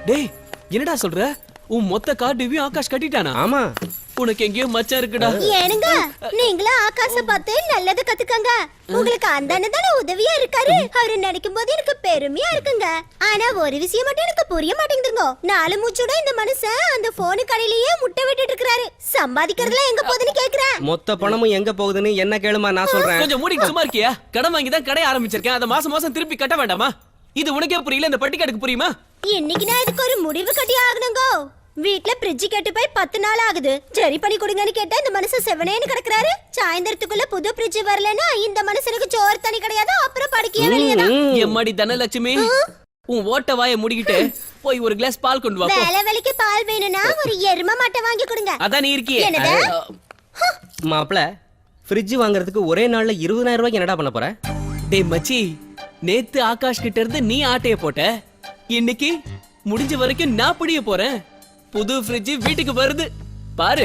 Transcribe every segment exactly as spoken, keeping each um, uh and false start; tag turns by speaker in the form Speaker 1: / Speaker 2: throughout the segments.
Speaker 1: டேய் என்னடா சொல்ற? உன் மொத்த கார் டிவியும் ஆகாஷ் கட்டிட்டானா?
Speaker 2: ஆமா.
Speaker 1: உனக்கு எங்கேயோ மச்சான் இருக்குடா.
Speaker 3: ஏனுங்க நீங்களா ஆகாஷ பார்த்து நல்லது கத்துக்கங்க. உங்களுக்கு அந்த அண்ணன் தானே உதவியா இருக்காரு. அவரு நினைக்கும் போது எனக்கு பெருமையா இருக்குங்க. ஆனா ஒரு விஷயம் மட்டும் எனக்கு புரிய மாட்டேங்குதுங்க. நாலு மூச்சோட இந்த மனுஷன் அந்த போனு கடையிலேயே முட்டை விட்டுட்டு இருக்காரு. சம்பாதிக்கிறதுல எங்க போகுதுன்னு கேக்குறேன்.
Speaker 2: மொத்த பணமும் எங்க போகுதுன்னு என்ன கேளுமா, நான் சொல்றேன்.
Speaker 1: கொஞ்சம் மூடி சும்மா இருக்கியா? கடன் வாங்கி தான் கடை ஆரம்பிச்சிருக்கேன். அத மாசம் மாசம் திருப்பி கட்ட வேண்டாமா? இது உனக்கே புரியல, இந்த பட்டிக்காட்டுக்கு புரியுமா?
Speaker 3: இன்னைக்கு நான் இதுக்கு ஒரு முடிவு கட்டி ஆகணுங்க. வீட்ல ஃப்ரிட்ஜ் கேட்டு போய் பத்து நாள் ஆகுது. சரி பண்ணி கொடுங்கன்னு கேட்டா இந்த மனுஷன் செவனேன்னு கிடக்குறாரு. சாயந்தரத்துக்குள்ள புது ஃப்ரிட்ஜ் வரலன்னா இந்த மனுஷனுக்கு சோறு தண்ணி கிடையாது. அப்புறம் படுக்கையே வெளியதான்.
Speaker 1: எம்மாடி தனலட்சுமி, உன் ஓட்ட வாயை முடிக்கிட்டு போய் ஒரு கிளாஸ் பால் கொண்டு வா.
Speaker 3: வேலை வேலைக்கு பால் வேணும்னா ஒரு எரும மாட்டை வாங்கி கொடுங்க.
Speaker 1: அதான் நீ இருக்கியே.
Speaker 3: என்னது?
Speaker 2: மாப்ள, ஃப்ரிட்ஜ் வாங்குறதுக்கு ஒரே நாள்ல இருபதாயிரம் ரூபாய்க்கு என்னடா பண்ண போற?
Speaker 1: டேய் மச்சி, நேத்து ஆகாஷ் கிட்ட இருந்து நீ ஆட்டைய போட்ட. இன்னைக்கு முடிஞ்ச வரைக்கும் நான் புடிய போறேன். புது ஃப்ரிட்ஜ் வீட்டுக்கு வருது பாரு.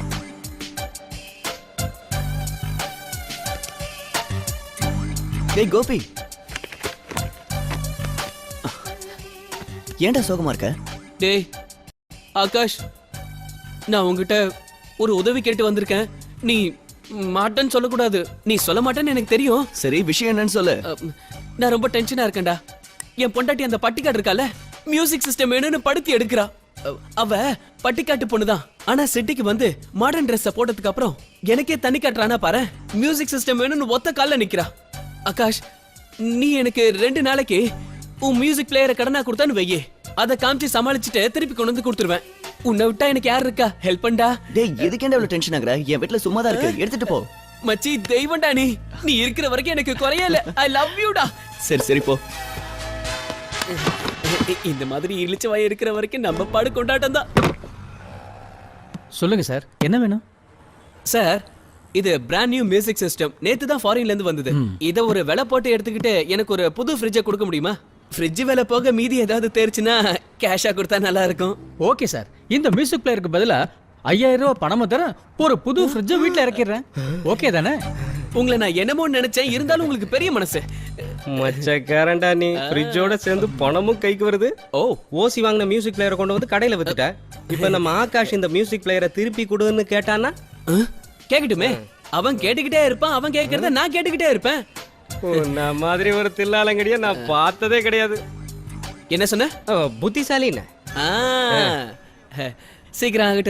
Speaker 4: டேய் கோபி, ஏன்டா சோகமா இருக்க?
Speaker 1: டேய் ஆகாஷ், நான் உன்கிட்ட ஒரு உதவி கேட்டு வந்திருக்கேன். நீ மாட்டேன்னு சொல்லக்கூடாது. நீ சொல்ல மாட்டேன்னு எனக்கு தெரியும்.
Speaker 4: சரி, விஷயம் என்னன்னு சொல்லு.
Speaker 1: அம், நான் ரொம்ப டென்ஷனா இருக்கேன்டா. என் பொண்டாட்டி அந்த பட்டிக்காடு இருக்கால, மியூசிக் சிஸ்டம் வேணும்னு படுத்தி எடுக்கிறா. அவ- அவ பட்டிக்காட்டு பொண்ணுதான். ஆனா சிட்டிக்கு வந்து மாடர்ன் ட்ரெஸ் போட்டதுக்கு அப்புறம் எனக்கே தண்ணி காட்டுறானா பாரு. மியூசிக் சிஸ்டம் வேணும்னு ஒத்த கால்ல நிக்கிறா. ஆகாஷ், நீ எனக்கு ரெண்டு நாளைக்கு உன் மியூசிக் பிளேயரை கடனா கொடுத்தான்னு வையே. அதை காமிச்சு சமாளிச்சுட்டு திருப்பி கொண்டு வந்து கொடுத்துருவேன். உன்னை விட்டா எனக்கு யார் இருக்கா? ஹெல்ப் பண்ணா.
Speaker 4: டேய், எதுக்கேண்டா இவ்வளவு டென்ஷன் ஆகுற? என் வீட்ல சும்மா தான் இருக்கு, எடுத்துட்டு போ.
Speaker 1: மச்சி தெய்வம்டா நீ. நீ இருக்கிற வரைக்கும் எனக்கு குறையல. ஐ லவ் யூடா.
Speaker 4: சரி சரி போ.
Speaker 1: இந்த மாதிரி இழிச்ச வாய் இருக்கிற வரைக்கும் நம்ம பாடு கொண்டாட்டம் தான்.
Speaker 5: சொல்லுங்க சார், என்ன வேணும்?
Speaker 1: சார், இது பிராண்ட் நியூ மியூசிக் சிஸ்டம். நேத்து தான் ஃபாரின்ல இருந்து வந்தது. இத ஒரு விலை போட்டு எடுத்துக்கிட்டு எனக்கு ஒரு புது ஃப்ரிட்ஜை கொடுக்க முடியுமா? ஃப்ரிட்ஜ் விலை போக மீதி ஏதாவது தேர்ச்சுன்னா கேஷா கொடுத்தா நல்லா இருக்கும்.
Speaker 5: ஓகே சார், இந்த மியூசிக் பிளேயருக்கு பதிலா ஐயாயிரம் ரூபாய் பணமும் தர ஒரு புது ஃப்ரிட்ஜை வீட்டில் இறக்கிடுறேன். ஓகே தானே?
Speaker 1: உங்களை நான் என்னமோ நினைச்சேன், இருந்தாலும் உங்களுக்கு பெரிய மனசு.
Speaker 2: மச்சக்காரன்டா நீ. ஃப்ரிட்ஜோட சேர்ந்து பணமும் கைக்கு வருது.
Speaker 1: ஓ,
Speaker 2: ஓசி வாங்கின மியூசிக் பிளேயரை கொண்டு வந்து கடையில வித்துட்ட. இப்ப நம்ம ஆகாஷ் இந்த மியூசிக் பிளேயரை திருப்பி கொடுன்னு கேட்டானா?
Speaker 1: கேக்கட்டுமே. அவன் கேட்டுக்கிட்டே இருப்பான், அவன் கேட்கறத நான் கேட்டுக்கிட்டே இருப்பேன்.
Speaker 2: உன்ன மாதிரி ஒரு தில்லாலங்கடிய நான் பார்த்ததே கிடையாது.
Speaker 1: என்ன சொன்ன?
Speaker 2: புத்திசாலின்னு
Speaker 1: சீக்கிரம் ஆகட்டும்.